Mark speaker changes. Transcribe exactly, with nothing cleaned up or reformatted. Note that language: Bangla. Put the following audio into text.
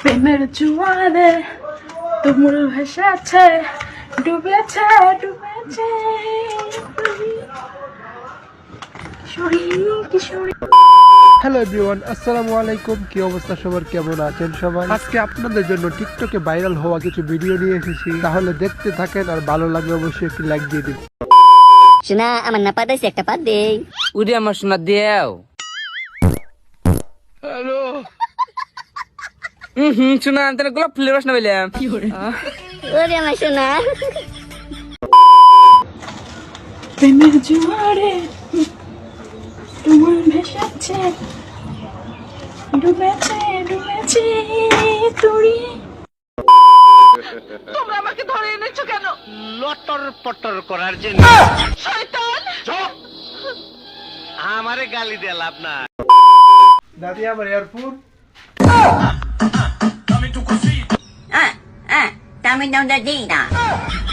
Speaker 1: প্রেমের জোয়ারে তুমুল ভাসাছে, ডুবেছে ডুবেছে কিশোরী কিশোরী।
Speaker 2: হ্যালো এভরিওয়ান, আসসালামু আলাইকুম। কি অবস্থা সবার, কেমন আছেন সবাই? আজকে আপনাদের জন্য টিকটকে ভাইরাল হওয়া কিছু ভিডিও নিয়ে এসেছি, তাহলে দেখতে থাকেন, আর ভালো লাগলে অবশ্যই একটি লাইক দিয়ে দিন।
Speaker 3: শোনা আমার না পাতাইছে একটা পাত দেই।
Speaker 4: উড়ে আমার শোনা দেও।
Speaker 2: হ্যালো
Speaker 4: হুম হুম শোনা তোর গোলাপ ফুলের বাসনা পেলাম।
Speaker 3: ওরে আমার শোনা।
Speaker 1: প্রেমের জোয়ারে তুমুল ভাসাছে, ডুবেছে ডুবেছে তুড়ি। তোমরা আমাকে ধরে এনেছো কেন?
Speaker 5: লটর পটর করার জন্য।
Speaker 1: শয়তান!
Speaker 5: আমারে গালি দিয়ে লাভ না।
Speaker 2: দাদি আমার earphone.
Speaker 3: Ah, ah, dami daw na dina.